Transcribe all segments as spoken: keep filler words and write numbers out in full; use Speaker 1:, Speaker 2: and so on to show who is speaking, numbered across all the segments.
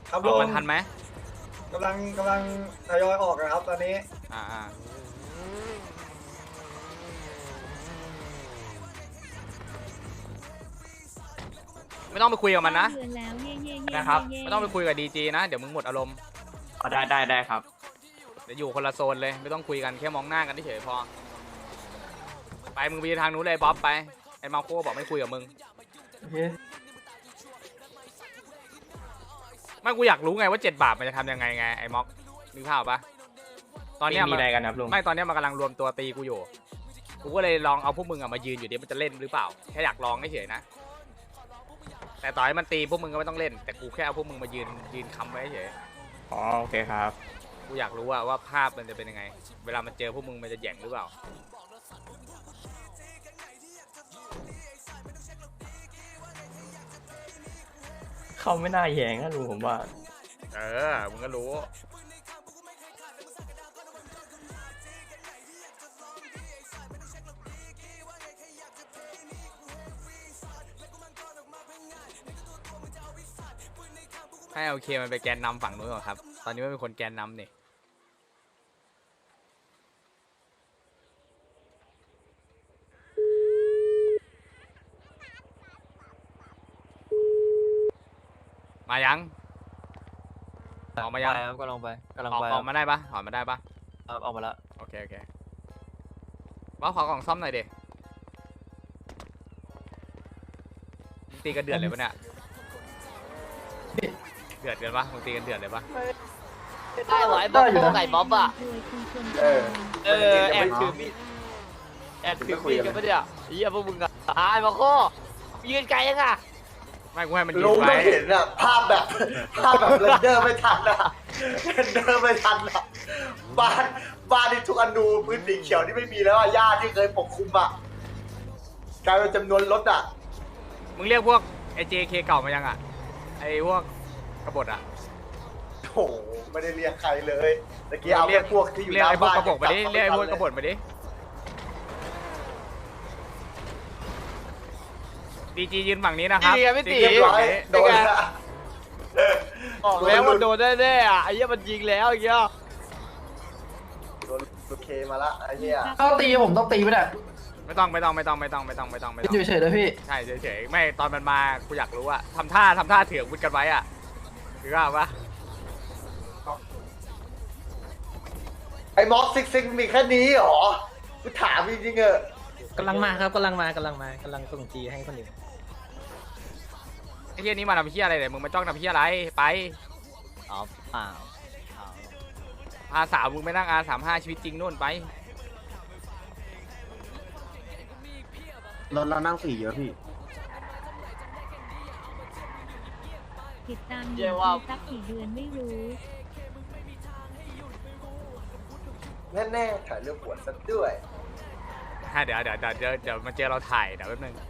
Speaker 1: ครับ
Speaker 2: อ
Speaker 1: ลุ
Speaker 2: อก
Speaker 1: ง
Speaker 2: มาทันไหม
Speaker 1: กำลังกำลังทยอยออกนะครับตอนนี้
Speaker 2: อ่าอ่าไม่ต้องไปคุยกับมันนะ
Speaker 3: เดือนแล้วเย่เย่เย่
Speaker 2: นะครับ
Speaker 3: เย่
Speaker 2: ไม่ต้องไปคุยกับดีจีนะเดี๋ยวมึงหมดอารมณ์
Speaker 4: อ๋อได้ได้ได้ครับ
Speaker 2: เดี๋ยวอยู่คนละโซนเลยไม่ต้องคุยกันแค่มองหน้ากันเฉยๆพอไปมึงไปทางนู้นเลยบ๊อบไปไอ้มาโคบอกไม่คุยกับมึงไม่กูอยากรู้ไงว่าเจ็ดบาทมันจะทำยังไงไงไอ้ม็อกนึกภาพปะตอนเนี้ย
Speaker 4: มี
Speaker 2: มัน
Speaker 4: อะไรกันครับลุง
Speaker 2: ไม่ตอนเนี้ยมันกำลังรวมตัวตีกูอยู่กูก็เลยลองเอาพวกมึงอะมายืนอยู่ดิมันจะเล่นหรือเปล่าแค่อยากลองเฉยๆนะแต่ต่อให้มันตีพวกมึงก็ไม่ต้องเล่น แต่กูแค่เอาพวกมึงมายืนยืนค้ำไว้เฉย
Speaker 4: อ๋อโอเคครับ
Speaker 2: กูอยากรู้ว่าว่าภาพมันจะเป็นยังไง เวลามันเจอพวกมึงมันจะแหย่งหรือเปล่า
Speaker 4: เขาไม่น่าแยงนะลุงผมว่า
Speaker 2: เออ มึงก็รู้ ให้โอเคมันไปแกนนำฝั่งนู้นก่อนครับ ตอนนี้ไม่เป็นคนแกนนำนี่มายังออกมายัง
Speaker 5: ครับกำลังไปกำลัง
Speaker 2: ออก
Speaker 5: ไป
Speaker 2: ออกมาได้ปะออกมาได้ปะ
Speaker 5: ครับออกมาแล้ว
Speaker 2: โอเค โอเคว่าขอกล่องซ่อมหน่อยดิมึงตีกันเดือดเลยปะเนี่ย เดือดกันปะมึงตีกันเดือดเลยปะ
Speaker 5: ได้ไหวบ้างไก่บ๊อบอ่ะ
Speaker 1: เออ
Speaker 5: เออแอบถือมีดแอบถือมีดกันปะเนี่ยเฮียพวกมึงอ่ะตายมาโค้ยืนไกลยังอ่ะ
Speaker 2: ไม่กูให้มันยื
Speaker 1: ลุ
Speaker 2: น
Speaker 1: งต้
Speaker 2: ไว้
Speaker 1: องเห็นอะภาพแบบภาพแบบเรนเดอร์ไม่ทันอะเรนเดอร์ไม่ทันอะบ้านบ้านที่ทุกอนูพื้นสีเขียวที่ไม่มีแล้วอะหญ้าที่เคยปกคลุมอะกลายเป็นจำนวนรถอะ
Speaker 2: มึงเรียกพวกไอเจเคเก่ามายังอ่ะ ไอพวกกบฏอ่ะ
Speaker 1: โอ้โหไม่ได้เรียกใครเลยตะกี้เอาแค่พวกที่อยู่
Speaker 2: เรีย
Speaker 1: ห
Speaker 2: ก
Speaker 1: น้า
Speaker 2: ไอพวก
Speaker 1: บ้าน
Speaker 2: กบฏมาดิ เรียกไอพวกกบฏมาดิ ดีจียืนฝั่งนี้นะครับ
Speaker 5: นี่ไงพี่ตี
Speaker 2: เรียบร้อย
Speaker 1: โดนละ
Speaker 5: ออกแล้วมันโดนแน่ๆอ่ะไอ้เหี้ยมันยิงแล้วอย่างเงี้ย
Speaker 1: โดนโอเคมาละไอ้เหี้ย
Speaker 6: ต้องตีผมต้องตีไม่ได้
Speaker 2: ไม่ต้องไม่ต้องไม่ต้องไม่ต้องไม่ต้องไม่ต้องไม่ต้อง
Speaker 6: อยู่เฉยๆเลยพี่
Speaker 2: ใช่เฉยๆไม่ตอนมันมากูอยากรู้อะทำท่าทำท่าเถื่อนวุดกันไว้อะถือว่าปะ
Speaker 1: ไอ้ม็อกซิกซิกมีแค่นี้เหรอกูถามจริงๆเออะ
Speaker 6: กำลังมาครับกำลังมากำลังมากำลังส่งจีให้คนอื่น
Speaker 2: ไอ้เฮียนี้มาทำเฮียอะไรเนี่ยมึงมาจ้องทำเฮียอะไรไป
Speaker 5: อ๋อเปล่า
Speaker 2: พาสาวมึงไปนั่งอาสามห้าชีวิตจริงนู่นไป
Speaker 7: รถเรานั่งสี่เยอะพี่
Speaker 3: ติดตามอยู่ที่สักกี่เดือนไม่รู้
Speaker 1: แน่ๆถ่ายเรื่องปวดซะด้วย
Speaker 2: ฮะเดี๋ยวเดี๋ยวเดี๋ยวเดี๋ยวเดี๋ยวมาเจอเราถ่ายเดี๋ยวแป๊บนึง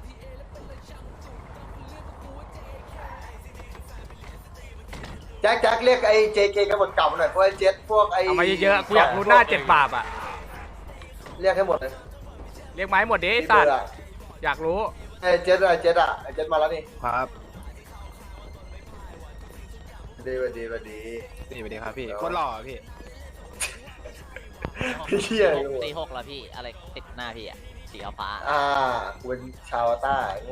Speaker 1: แจ็คแจ็คเรียกไอ้ เจ เค กันหมดเก่ามาหน่อยพวกไอ้เจ็ตพวกไอ้
Speaker 2: เอามาเยอะๆกูอยากรู้หน้าเจ็ดบาปอะ
Speaker 1: เรียกให้หมดเลย
Speaker 2: เรียกไม้หมดดิไอ้สัตว์อยากรู้
Speaker 1: ไอ้เจ็ตอะไอ้เจ็ตอะไอ้เจ็ตมาแล้วนี่
Speaker 7: ครับ
Speaker 1: ดีสวัสดีสวัสดี
Speaker 7: นี่สวัสดีครับพี่โคตรหล่อพี่
Speaker 1: พี่เชี่ย
Speaker 5: สี่หกแล้วพี่อะไรติดหน้าพี่อ่ะสีฟ้า
Speaker 1: อ่ากูเป็นชาวใต้โง่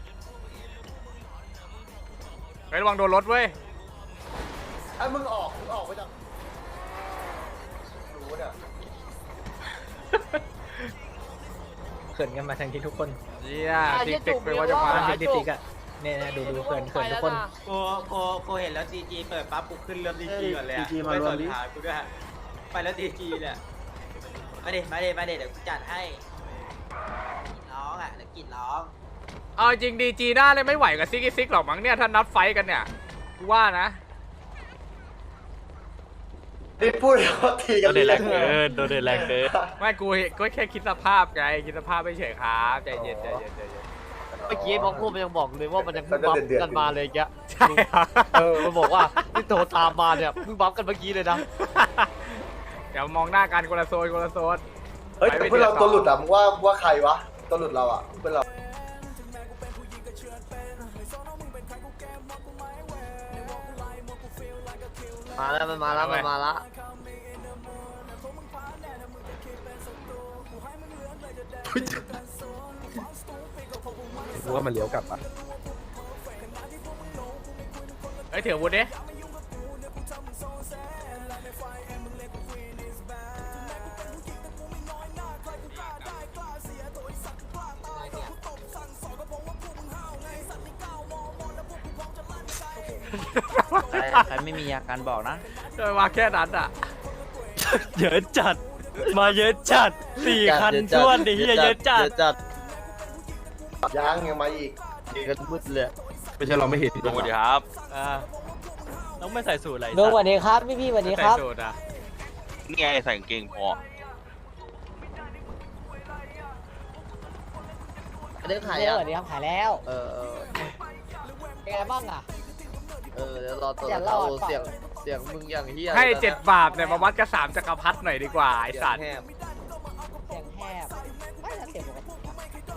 Speaker 2: ไประวังโดนรถเว้ย
Speaker 1: ไอ้มึงออกมึงออกไปจากรู้เนี่ย
Speaker 6: เขินกันมาทั้งที่ทุกคน
Speaker 2: เฮียติ๊กติ๊กไปว่าจะมา
Speaker 6: ทั้งที่ติ๊กอะเนี่ยนะดูดูเขินเขินทุกคน
Speaker 8: โกโกโกเห็นแล้วดีจีเปิดปั๊บกูขึ้นเริ่มดีจีก่อนเลย
Speaker 7: ดี
Speaker 8: อะ
Speaker 7: จีมา
Speaker 8: ไป
Speaker 7: ร
Speaker 8: ส
Speaker 7: วม
Speaker 8: น
Speaker 7: ดิ
Speaker 8: หากูด้วยไปแล้วดีจีเนี่ยมาเด็มาเด็มาเด็เดี๋ยวกูจัดให้ร้องอ่ะแล้วกินร้อง
Speaker 2: เอาจริงดีจีหน้าเลยไม่ไหวกับซิกซิกหรอกมั้งเนี่ยถ้านัดไฟกันเนี่ยกูว่านะ
Speaker 1: นี่พูดเขาตีกันเลย
Speaker 4: โดนเดือดแรงเกิน
Speaker 2: ไม่กูก็แค่คิดสภาพไงคิดสภาพไม่เฉยครับใจเย็นใจเย็นใจเย็น
Speaker 5: เมื่อกี้พ่อโค้มันยังบอกเลยว่ามันยังบัฟกันมาเลยแก
Speaker 2: ใช่เหรอ
Speaker 5: เออมันบอกว่าที่โทรตามมาเนี่ยมึงบัฟกันเมื่อกี้เลยนะ
Speaker 2: เดี๋ยวมองหน้ากันคนละโซนคนละโซน
Speaker 1: เฮ้ยแต่เพื่อนเราตัวหลุดอะมึงว่าว่าใครวะตัวหลุดเราอะเพื่อนเรา
Speaker 5: มาแล้วมันมาแล้วมันมาแล้ว
Speaker 7: รู้ว่ามันเลี้ยวกลับปะ
Speaker 2: เฮ้ยถืออาวุธดิ
Speaker 5: ใครไม่มีอาการบอกนะ
Speaker 2: โดยมาแค่นั้นอ่ะ
Speaker 4: เยอะจัด มาเยอะจัดสี่คันท้วนดิเฮียเยอะจัด
Speaker 5: จัด
Speaker 1: ยังยังมาอีก
Speaker 5: ยืนกันมืดเลย
Speaker 7: ไม่ใช่เราไม่เห็น
Speaker 4: ลุงสวัสดีครับ
Speaker 2: อ่า
Speaker 4: ต้องไม่ใส่สูทอะไร
Speaker 9: ลุงสวัสดีครับพี่พี่สวัสดีครับ
Speaker 2: ใส่สูตรอ่ะ
Speaker 4: นี่ไงใส่กางเกงพอ
Speaker 5: เรื่องขาย
Speaker 9: เรียก
Speaker 5: อ่ะ
Speaker 9: สวัสดีครับขายแล้ว
Speaker 5: เออเออ
Speaker 9: เป็นไงบ้างอ่ะ
Speaker 5: เออเดี๋ยวรอตัว
Speaker 9: อย่ารอด
Speaker 5: เสียงเสียงมึงอย่างเฮีย
Speaker 2: ให้เจ็ดบาทเนี่ยมาวัดกับสามจักรพรรดิหน่อยดีกว่าไอ้สัตว์
Speaker 5: แหบ
Speaker 9: เสียงแหบไม่นะเสียงปกตินะ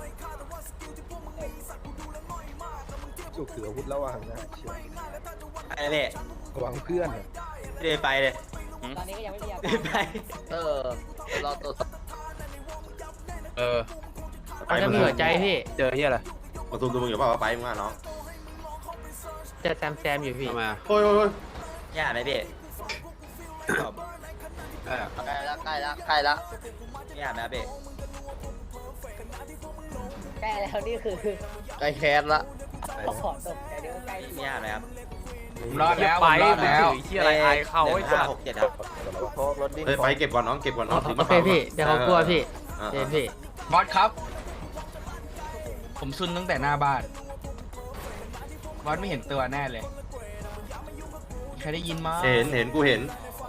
Speaker 7: จุกถืออาวุธแล้วอ่ะนะเชียว
Speaker 8: ไอ้เล่
Speaker 7: ระวังเพื่อนอะ
Speaker 8: เล่ไปเลย
Speaker 9: ตอนนี้ก็ยังไม่มีอา
Speaker 8: เล่
Speaker 9: การ
Speaker 8: ไป
Speaker 5: เออเดี๋ยวรอตัว
Speaker 7: เออ
Speaker 6: เขาจะมีหัวใจพี่
Speaker 7: เจอเฮียอะไร
Speaker 1: มาตูมดูมึงอยู่เปล่าไปมึงอ่ะน้อง
Speaker 6: เจะแซมแซมอยู่พี่
Speaker 7: ทำไมอะ
Speaker 1: โอ้ยโอ้ย
Speaker 8: ย่าไหมพี่
Speaker 7: เออ
Speaker 5: ใกล้ละใกล้ละใกล้ละ
Speaker 8: ย่าไหมพี่
Speaker 9: ใกล้แล้วนี่คือ
Speaker 5: ใกล้แคสละ
Speaker 9: ขอตบแต่เดี๋ยวใกล้
Speaker 8: ย่าไหมครับ
Speaker 7: รอดแล้ว
Speaker 2: ไป
Speaker 7: รอด
Speaker 2: มึง
Speaker 7: แล้ว
Speaker 2: ถือที่อะไรอายเขา
Speaker 8: ห
Speaker 2: ไอ้
Speaker 8: นึ่ง
Speaker 2: สั
Speaker 8: ห้า
Speaker 2: ตว์
Speaker 8: หกเจ็ดครับ
Speaker 1: เฮ้ยไปเก็บก่อนน้องเก็บก่อนน้องถือ
Speaker 6: โอ
Speaker 1: มา
Speaker 6: เคพี่ เดี๋ยวเขากลัวพี่
Speaker 1: อ่า
Speaker 6: เดี๋ยวพี่
Speaker 7: บอสครับ ผมซุนตั้งแต่หน้าบ้าน บอสไม่เห็นตัวแน่เลย ใครได้ยินมั้ย
Speaker 1: เห็นเห็นกูเห็น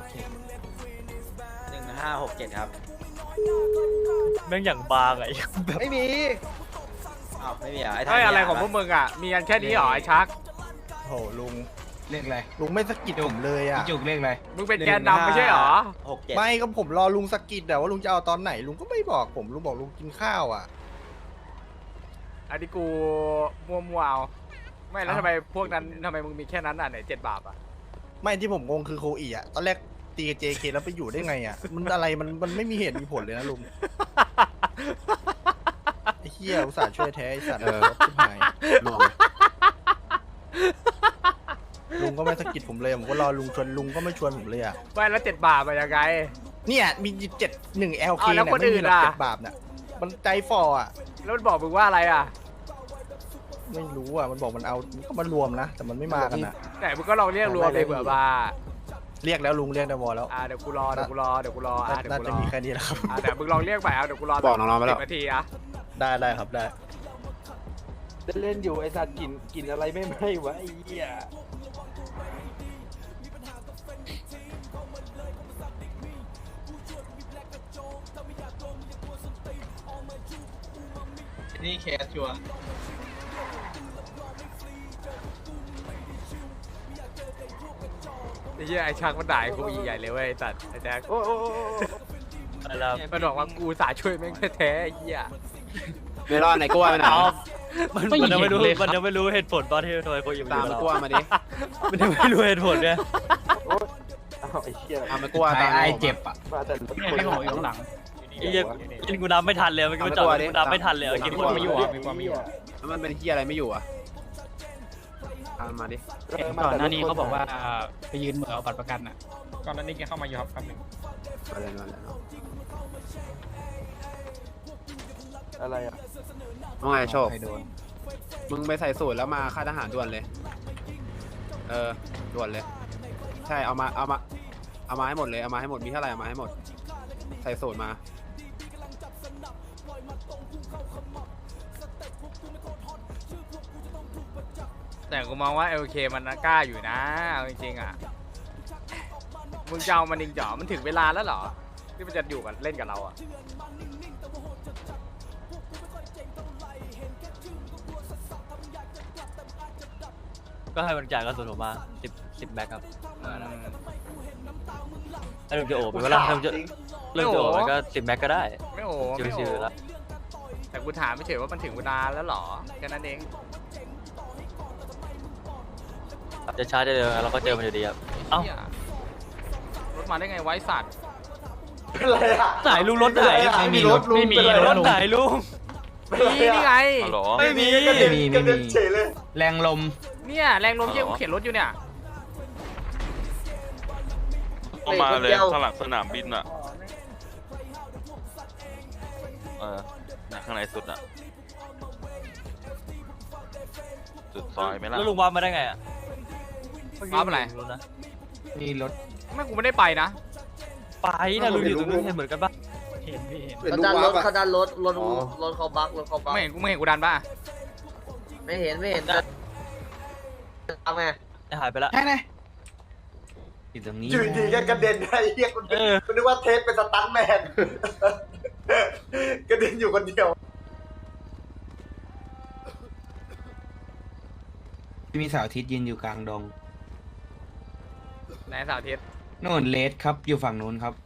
Speaker 8: หนึ่งห้าหกเจ็ดครับ
Speaker 4: แม่งอย่างบางไอ้แบบ
Speaker 5: ไม่มี
Speaker 8: อ้าวไม่มีเหรอไอ้
Speaker 2: เฮ้ยอะไรของพวกมึงอ่ะ มีกันแค่นี้เหรอไอ้ชัก
Speaker 7: โหลุงเลขอะไรลุงไม่สะกิดผมเลยอ่ะจุกเลขอะไร
Speaker 2: มึงเป็นแกนนำไม่ใช่เหรอ
Speaker 8: หกเจ็ด
Speaker 7: ไม่ก็ผมรอลุงสะกิดแต่ว่าลุงจะเอาตอนไหนลุงก็ไม่บอกผมลุงบอกลุงกินข้าวอ่ะ
Speaker 2: อันนี้กูมัวมัวๆเอาไม่แล้วทำไมพวกนั้นทำไมมึงมีแค่นั้นอ่ะไหนเจ็ดบาทอ่ะ
Speaker 7: ไม่ที่ผมงงคือโคอีอ่ะตอนแรกตีกับเจเคแล้วไปอยู่ได้ไงอ่ะมันอะไรมันมันไม่มีเหตุมีผลเลยนะลุงไอ้เหี้ยอุตส่าห์ช่วยแท้ไอ้สัตว์ชิบหายลุงลุงก็ไม่สะกิดผมเลยผมก็รอลุงชวนลุงก็ไม่ชวนผมเลยอ่ะ
Speaker 2: ไม่แล้วเจ็ดบาทมายังไง
Speaker 7: เนี่ยมีเจ็ดหนึ่ง แอล เค
Speaker 2: อ้าวแล้ว
Speaker 7: เนี่ย
Speaker 2: คน
Speaker 7: ไม่
Speaker 2: อื่
Speaker 7: มี
Speaker 2: น
Speaker 7: หรอก
Speaker 2: ล่ะ
Speaker 7: เจ็ดบาทน่ะมันใจฟออ่ะ
Speaker 2: แล้วมันบอกมึงว่าอะไรอ่ะ
Speaker 7: ไม่รู้อ่ะมันบอกมันเอามันก็มารวมนะแต่มันไม่มากันนะ
Speaker 2: ไหนมึงก็ลองเรียกรวมเลยเผื่อมา
Speaker 7: เรียกแล้วลุงเรียกได้วอแล้ว
Speaker 2: อ่าเดี๋ยวกูรอเดี๋ยวกูรอเดี๋ยวกูรออ่าเดี๋ยว
Speaker 7: น่า
Speaker 2: กูร
Speaker 7: จะ
Speaker 2: อ
Speaker 7: มีแค่นี้แหละครับ
Speaker 2: อ่าเดี๋ยวมึงลองเรียกไปเอาเดี๋ยวกูรอ
Speaker 7: บอกน้องๆไปแล้ว
Speaker 2: สิบนาทีอ่ะ
Speaker 7: ได้ได้ครับได้
Speaker 6: เล่นอยู่ไอสัตว์กินกินอะไรไม่ไหม้วะไอ้เหี้ย
Speaker 7: นี่แคสชัว
Speaker 2: ไอ้เหี้ยไอ้ชักมันด่าไอ้กูใหญ่เลยเว้ยไอ้สัตว์ไอ้แจ็คโอ้โอ้โอ้โอ้มันบอกว่ากูสาช่วยแม่งแท้ๆไอ้เหี้ย
Speaker 7: ไม่รอดไหนกลัวไปไหน
Speaker 4: มันมันยังไม่รู้มันยังไม่รู้เหตุผลตอนที่ทำไมคนอยู่
Speaker 7: ตาม
Speaker 4: กับ
Speaker 7: มัน
Speaker 4: เรา
Speaker 7: กลัวมาดิ
Speaker 4: มันยังไม่รู้เหตุผลเนี่ย
Speaker 7: ตามมันกลัวตามไอ้เจ็บอ่ะ
Speaker 4: ไม่บอกอยู่ข้างหลังไอ้เหี้ยกินกูนับไม่ทันเลยมันก็ไม่จอดกูนับไม่ทันเลยกินกูไม่อยู่อ่ะ
Speaker 7: แล้วมันเป็นที่อะไรไม่อยู่อ่ะตามมาดิ
Speaker 6: ก่อนหน้านี้เขาบอกว่าไปยืนเหมือเอาบัตรประกันอ่ะ ก่อนหน้านี้แกเข้ามาอยู่ครับแป๊บนึง
Speaker 7: มาเลยมาเลยเนาะ
Speaker 6: อะไรอ่ะ
Speaker 7: ว่าไงโชคมึงไปใส่สูตรแล้วมาค่ายทหารด่วนเลย เออด่วนเลย ใช่เอามาเอามาเอามาให้หมดเลยเอามาให้หมดมีเท่าไหร่เอามาให้หมด ใส่สูตรมา
Speaker 2: แต่กูมองว่า เอล เค มันกล้าอยู่นะเอาจริงๆอ่ะมึงจะเอามันจริงจ๋อมันถึงเวลาแล้วเหรอที่มันจะอยู่กันเล่นกับเราอ่ะ
Speaker 4: ก็ให้มันจ่ายกระสุนผมมาสิบสิบแบ็คครับ
Speaker 2: อืม
Speaker 4: ถ้าลุงจะโอบไปว่าถ้าลุงจะเรื่องจะโอบมันก็สิบแบ็คก็ได้
Speaker 2: ไม่โอ้ไม่
Speaker 4: ชิว
Speaker 2: โอ้
Speaker 4: ๆแล้ว
Speaker 2: แต่กูถามไม่เฉยว่ามันถึงเวลาแล้วเหรอแค่นั้นเอง
Speaker 4: จะช้าจะเร็วเราก็เจอมันอยู่ดีครับ เอ้า
Speaker 2: หี้ยมาได้ไงไว้สัตว์
Speaker 1: เป็นไรอะ
Speaker 4: ไหนลุงรถไหน
Speaker 1: ไม่มีรถลุง
Speaker 6: ไม่มี
Speaker 1: เป็น
Speaker 6: ร
Speaker 1: ไร
Speaker 4: ร
Speaker 1: อะ
Speaker 4: ถไหนลุง
Speaker 2: นี่นี่ไง
Speaker 4: ไม่มี
Speaker 1: กระเด็นกระเด็นเฉยเลย
Speaker 6: แรงลม
Speaker 2: เนี่ยแรงลมเยี่ยกูเข็นรถอยู่เนี่ย
Speaker 10: เข้ามาเลยข้างหลังสนามบินอ่ะ เออข้างในสุดอ่ะ สุดซอยไหมล่ะ
Speaker 4: แล้วลุงวาร์ปมาได้ไงอ่ะ
Speaker 2: วาร์ปอะไร
Speaker 4: ลุงนะ
Speaker 6: มีรถ
Speaker 2: ไม่กูไม่ได้ไปนะ
Speaker 4: ไปนะลุงอยู่ตรงนู้นเห็นเหมือนกันปะ
Speaker 6: เห็นพี่เห็น
Speaker 1: เขาดันรถเขาดันรถ
Speaker 8: รถรถเขาบักรถเขาบัก
Speaker 2: ไม่เห็นกูไม่เห็นกูดันป่ะ
Speaker 8: ไม่เห็นไม่เห็นทำไง
Speaker 4: หายไปละ
Speaker 6: แค่ไหนอยู่ตรงนี้
Speaker 1: อยู่ดีๆก็กระเด็นไอ้เหี้ยคุณ
Speaker 4: เออ
Speaker 1: คุณนึกว่าเทสเป็นสตันท์แมน กระเด็นอยู่คนเดียว
Speaker 6: มีเสาร์อาทิตย์ยืนอยู่กลางดง
Speaker 2: ไหนสาวทิศ
Speaker 6: โน่นเลสครับอยู่ฝั่งนู้นครับ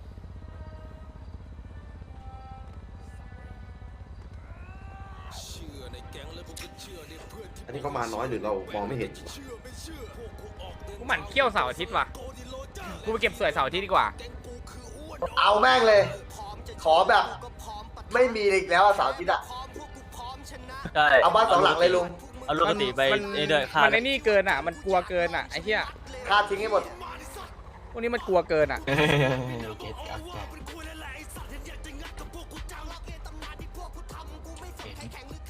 Speaker 11: อันนี้เขามาน้อยหรือเรามองไม่เห็น
Speaker 2: กูหมั่นเขี้ยวเสาร์อาทิตย์ว่ะกูไปเก็บสวยเสาร์อาทิตย์ดีกว่า
Speaker 1: เอาแม่งเลย ขอแบบ ไม่มีอีกแล้วอะเสาวอาทิตย์อะ
Speaker 4: ใช่
Speaker 1: เอาบ้านสองหลังเลยลุง
Speaker 4: เอาลูกกติไป
Speaker 2: มัน
Speaker 4: เอ้ยเด้อค่า
Speaker 2: มันไอ้นี่เกินอ่ะ มันกลัวเกินอ่ะไอ้เหี้ย
Speaker 1: ค่าทิ้งให้หมด
Speaker 2: พวกนี้มันกลัวเกินอ่ะ
Speaker 6: เก็ตอัพจัดเห็น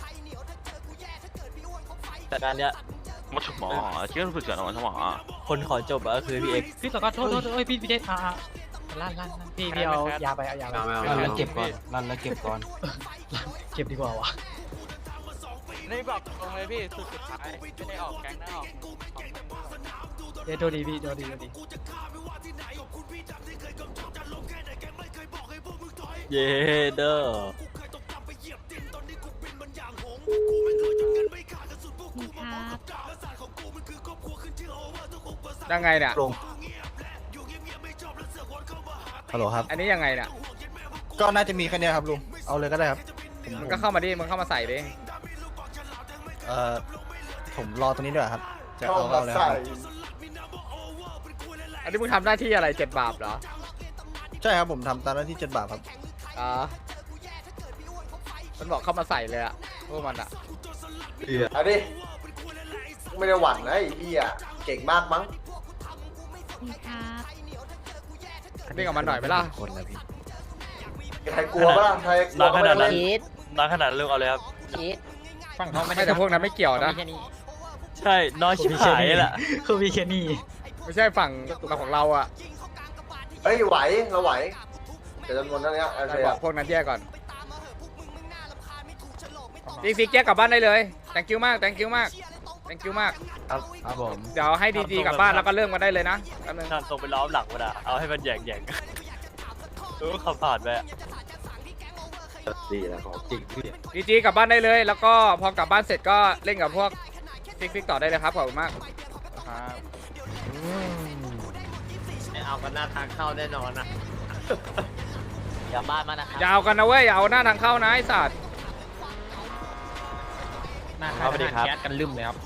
Speaker 4: แต่การเนี้ย
Speaker 10: มาฉมอเชื่อสุดเกินมาฉมอ
Speaker 4: คนขอจบอะก็คือพี่เอก
Speaker 6: พี่สกอตโทษโทษเอ้ยพี่พี่เดชอ่าลั่นลั่นลั่นพี่พี่เอายาไปเอายาไป
Speaker 7: ไม่เอาไม่
Speaker 6: ลั่น
Speaker 7: เอา
Speaker 6: แล้วเก็บก่อนลั่นแล้วเก็บก่อนเก็บดีกว่าวะ
Speaker 5: นี่บอกตรงเลยพี่สุดสุดท้ายไม่ได้ออกแก๊งนะออก
Speaker 6: เดี๋ยวโทษดีพี่โทษดีโทษดี
Speaker 4: เยเด้อ
Speaker 3: มีครับ
Speaker 2: ยังไงเนี่ย
Speaker 6: ฮัลโหลครับ
Speaker 2: อันนี้ยังไงเนี่ย
Speaker 6: ก็น่าจะมีแค่นี้ครับลุงเอาเลยก็ได้ครับ
Speaker 2: มันก็เข้ามาดิมันเข้ามาใส่ดิ
Speaker 6: เอ่อผมรอตรงนี้ด้วยครับจะ
Speaker 1: เข้า
Speaker 6: เอา
Speaker 1: มา
Speaker 6: เอาเลยค
Speaker 1: ใส่
Speaker 6: รับ
Speaker 2: อันนี้มึงทำหน้าที่อะไรเจ็ดบาปเหรอ
Speaker 6: ใช่ครับผมทำตามหน้าที่เจ็ดบาทครับ
Speaker 2: อ๋อมันบอกเข้ามาใส่เลยอะพวกมันอะ
Speaker 1: เอาดิ ไม่ได้หวั่นนะไอ้พี่อะเก่งมากมั้ง
Speaker 3: มีครับ
Speaker 2: เล่นกับมันหน่อยไหมล่ะ
Speaker 6: คนแล้วพี่
Speaker 1: ใครกลัวปะล่ะใครกลัว
Speaker 4: น้ำขนาดนั้น
Speaker 8: คิด
Speaker 4: น้ำขนาดนั้นลุงเอาเลยครับ
Speaker 8: คิด
Speaker 6: ฝั่งเขาไม่
Speaker 2: ไม่แต่พวกนั้นไม่เกี่ยวนะ
Speaker 4: ใช่น้อยชิบหายแหละ
Speaker 6: คือมีแค่นี้
Speaker 2: ไม่ใช่ฝั่งของเราอะ
Speaker 1: เฮ้ยไหวเราไหวเดี๋ยวจำนวนเท่านี้โอ
Speaker 2: แต่
Speaker 1: เค
Speaker 2: บอกพวกนั้นแยกก่อนดีซีแยกกลับบ้านได้เลย thank you มาก thank you มาก thank you มาก
Speaker 6: ครับครับผม
Speaker 2: เดี๋ยวให้ดีจีกลับบ้านแล้วก็เริ่มกันได้เลยนะแป๊บนึง
Speaker 4: ทำตรงไปล้อมหลังมันอะเอาให้มันแยงแยงรู้ขับผ่านไปอะ
Speaker 11: ดีนะของจริงพี่
Speaker 2: ดีจีกลับบ้านได้เลย แล้วก็พอกลับบ้านเสร็จก็เล่นกับพวกฟิกฟิกต่อได้เลยครับขอบคุณมากครับ
Speaker 5: ไม่เอากันหน้าทางเข้าแน่นอนนะอย่าบ้านมานะครับ
Speaker 2: ยาวกันนะเว้ยอย่าเอาหน้าทางเข้านะไอ้สัตว์
Speaker 6: หน้าค่ายทหารแก๊สกันลืมเลยครับ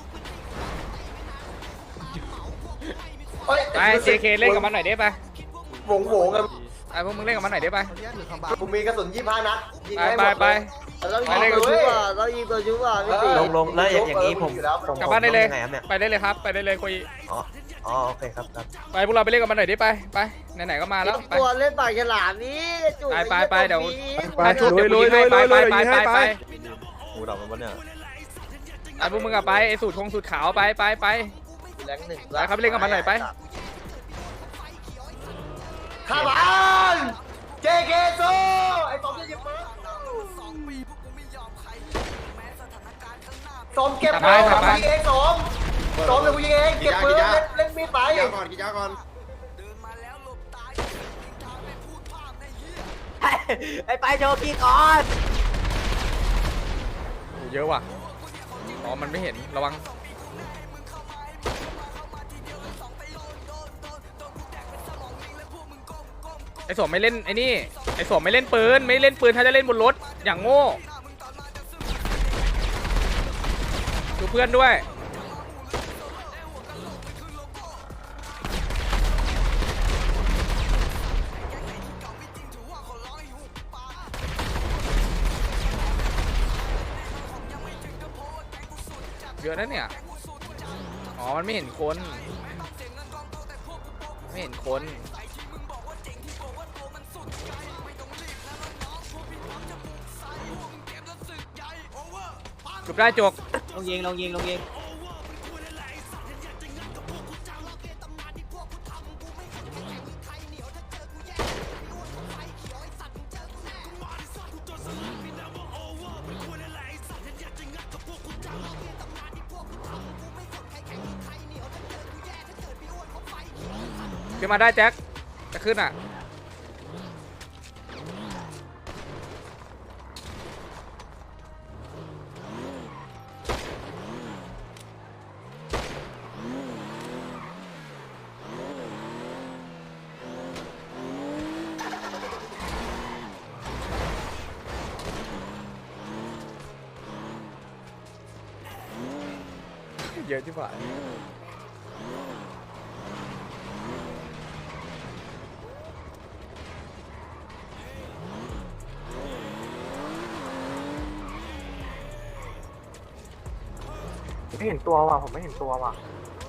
Speaker 1: เฮ้ย
Speaker 2: ไป เจ เค เล่นกับมันหน่อยได้ปะ
Speaker 1: โหวงโหวงกัน
Speaker 2: ไอ้พวกมึงเล่นกับมันหน่อยได้ปะ
Speaker 1: ผมมีกระสุนยี่ห้านัดยิง
Speaker 2: ไป
Speaker 1: ให้ห
Speaker 2: ไป
Speaker 1: มด
Speaker 2: ไป
Speaker 1: เลย
Speaker 2: ไปเล่นกับ
Speaker 1: ชุบ
Speaker 8: เรายิงตัวชุบอ่ะพี่
Speaker 1: ลงลงแล้วอย่างนี้ผมผม
Speaker 2: กลับบ้านได้เลย ไปได้เลยครับ ไปได้เลยคุย
Speaker 1: อ๋อโอเคครับครับ
Speaker 2: ไปพวกเราไปเล่นกับมันหน่อยดิไป ไป ไหนๆก็มาแล้ว ไป
Speaker 8: ตัวเล่นปากฉลามนี่จุ๋
Speaker 2: ไปไปไปเดี๋ยว
Speaker 8: ไป
Speaker 2: ไปทุบเดี๋ยวกูยิงให้ไปไปไปไปไป
Speaker 11: หูดับมันปะเนี่ย
Speaker 2: ไอ้พวกมึงอะไปไอ้สูตรคงสูตรขาวไปไปไป
Speaker 8: แรงหนึ่ง
Speaker 2: ไปครับไปเล่นกับมันหน่อยไป
Speaker 1: ข้าบ้านเจเคโซไอ้สองจะยิงปืนสมเก็บปืนสมยิงเองสมสมเดี๋ยวกูยิงเองเก็บปืนเล่นเล่นมีดไป
Speaker 11: กินยาก่อนกินยาก่อน
Speaker 8: ไอ้ไปโชว์กีก่อน
Speaker 2: โอ้เยอะว่ะ อ๋อ มันไม่เห็น ระวัง ไอ้สวมไม่เล่นไอ้นี่ ไอ้สวมไม่เล่นปืน ไม่เล่นปืนถ้าจะเล่นบนรถ อย่างโง่ดูเพื่อนด้วยอะนะเนี่ยอ๋อมันไม่เห็นคนไม่เห็นคนจุบได้จก
Speaker 8: ลงยิงลงยิงลงยิง
Speaker 2: ขึ้นมาได้แจ็คจะขึ้นอ่ะเยอะที่ฝ่ายไม่เห็นตัวว่ะผมไม่เห็นตัวว่ะ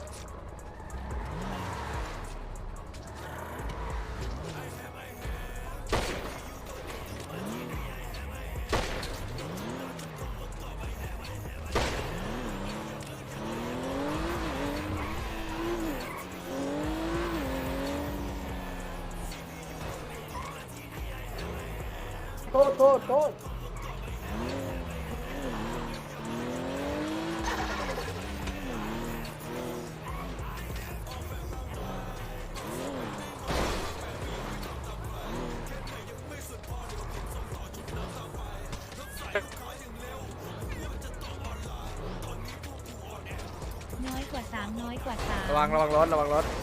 Speaker 2: โทษโทษโทษ
Speaker 3: น้อยกว่าสามน้อยกว่าสาม
Speaker 2: ระวังระวังรถระวังรถ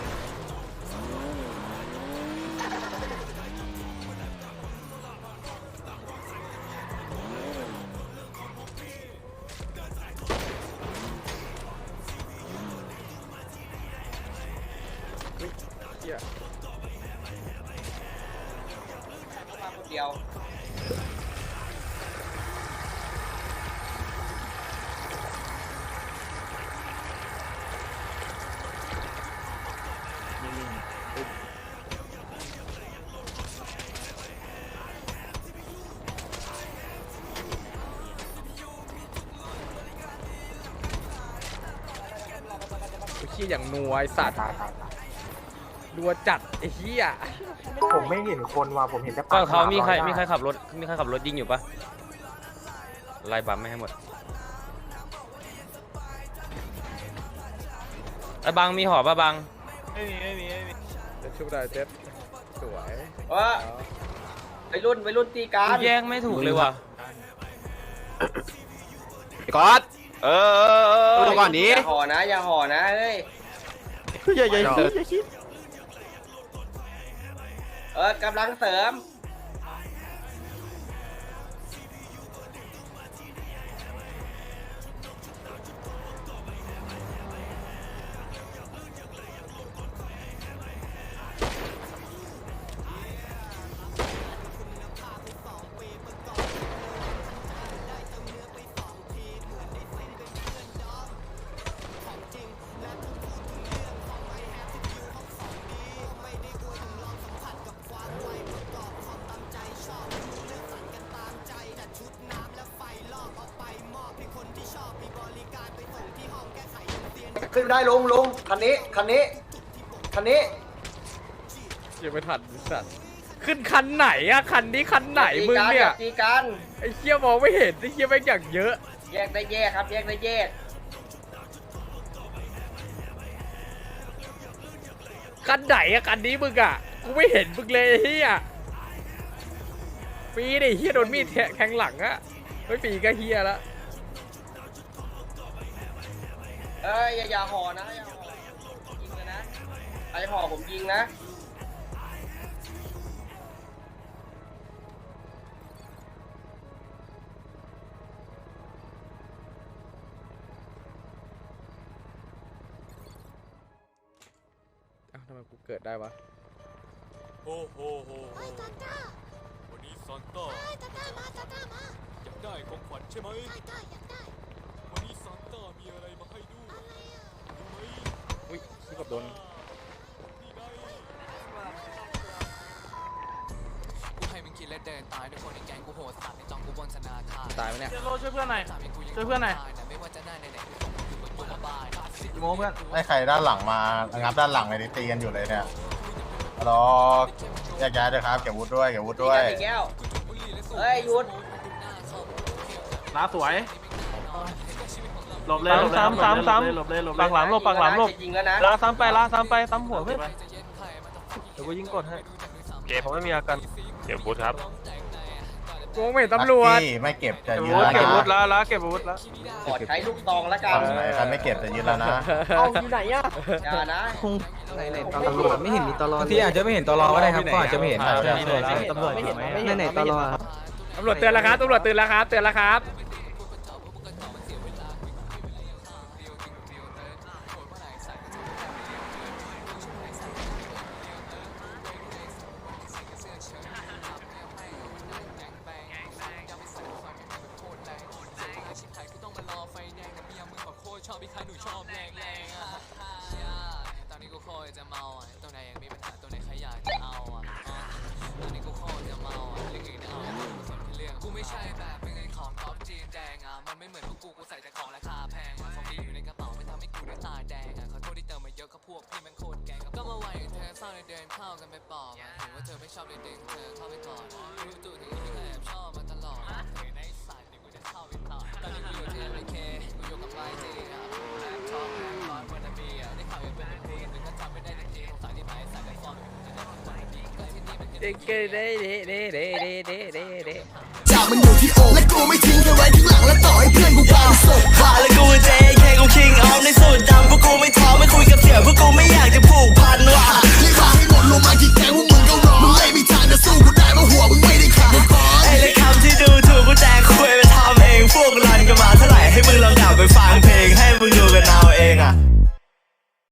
Speaker 8: เดียว
Speaker 2: ขี้อย่างนัวไอสัตว์นัวจัดไอ้เหี้ยผมไม่เห็นคนว่ะผมเห็นแต่
Speaker 4: ก็เขามีใครมีใครขับรถมีใครขับรถยิงอยู่ปะไล่บัมไม่ให้หมดไอ้บังมีหอป่ะบังไม่มีไม่มีไม่มี
Speaker 2: จะชุบได้เจ็บสวย
Speaker 8: ว่าไปรุ่นไปรุ่นตีการ
Speaker 4: แย่งไม่ถูกเลยว่ะ
Speaker 7: ไอ้ก๊อต
Speaker 10: เออเออเออ
Speaker 7: ดูก่อนนี้
Speaker 8: อย่าห่อนะอย่าห่อนะเฮ้ย
Speaker 10: อย่าอย่าอย่าคิด
Speaker 8: เออกำลังเสริม
Speaker 1: ขึ้นได้ลงลงคันนี้คันนี้คันนี้
Speaker 2: ยังไม่ทันสัตว์ขึ้นคันไหนอะคันนี้คันไหนมึงเนี่ย
Speaker 8: ตีกัน
Speaker 2: ไอ้เหี้ยมองไม่เห็นไอ้เหี้ยแม่งอย่างเยอะ
Speaker 8: แยกได้แยกครับแยกได้แยก
Speaker 2: คันไหนอะคันนี้มึงอะกูไม่เห็นมึงเลยไอ้เหี้ยปีดิเหี้ยโดนมีดแทงหลังอะไม่ปีก็เหี้ยละ
Speaker 8: เอ้ยอย่าอย่าห่อนะอย่าห่อยิงเลยนะใครห่อผมยิงนะ
Speaker 2: อ้าวทำไมกูเกิดได้วะ
Speaker 12: โอ้โหโหโหวันนี้ซานต้าอยากได้ของขวัญใช่ไหมใช่ใช่อยากได้วันนี้ซานต้ามีอะไร
Speaker 2: ที่กับโดน ตายไหมเนี่ย
Speaker 4: โลช่วยเพื่อนหน่อยช่วยเพื่อนหน่อย
Speaker 6: โมเพื่อน
Speaker 13: ไอ้ใครด้านหลังมางับด้านหลังเลยตีกันอยู่เลยเนี่ยรอแยกย้ายด้วยครับเก็บวุฒิด้วยเก็บวุฒิด้วย
Speaker 8: แก้วเฮ้ยหยุด
Speaker 4: ลาสวยหลบเลยหลบเลยซ้ำซ้ำหลบเลยหลบเลยปักหลังหลบปักหลังหลบ
Speaker 8: จริงแล้วนะ
Speaker 4: ลาซ้ำไปลาซ้ำไปซ้ำหัวเพื่อนเดี๋ยวกูยิงกดให้เก็บผมไม่มีอาการเก็บบูทครับ
Speaker 2: กูไม่เห็นตำรวจ
Speaker 13: ไม่เก็บจะยืน
Speaker 4: เก็บบูท
Speaker 13: แล้ว
Speaker 4: แล้วแล้วเก็บบูทแล้ว
Speaker 8: ขอใช้ลูกซองแล้วกัน
Speaker 13: ใครไม่เก็บจะยืนแล้วนะ
Speaker 9: เอาอยู่ไหนอ่ะ
Speaker 8: อย่านะ
Speaker 9: ไหนไหนตำรวจไม่เห็นมีตลอด
Speaker 6: ที่อาจจะไม่เห็นตลอก็ได้ครับก็อาจจะไม่เห็น
Speaker 4: ตำรวจ
Speaker 9: ไม่เห็น
Speaker 4: ไหม
Speaker 9: ไม่เห็นไหนตลอด
Speaker 2: ตำรวจเตือนแล้วครับตำรวจเตือนแล้วครับเตือนแล้วครับ
Speaker 14: จากมันอยู่ที่โอและกูไม่ทิ้งแค่ไว้ข้างหลังและต่อให้เพื่อนกูพาส่งพา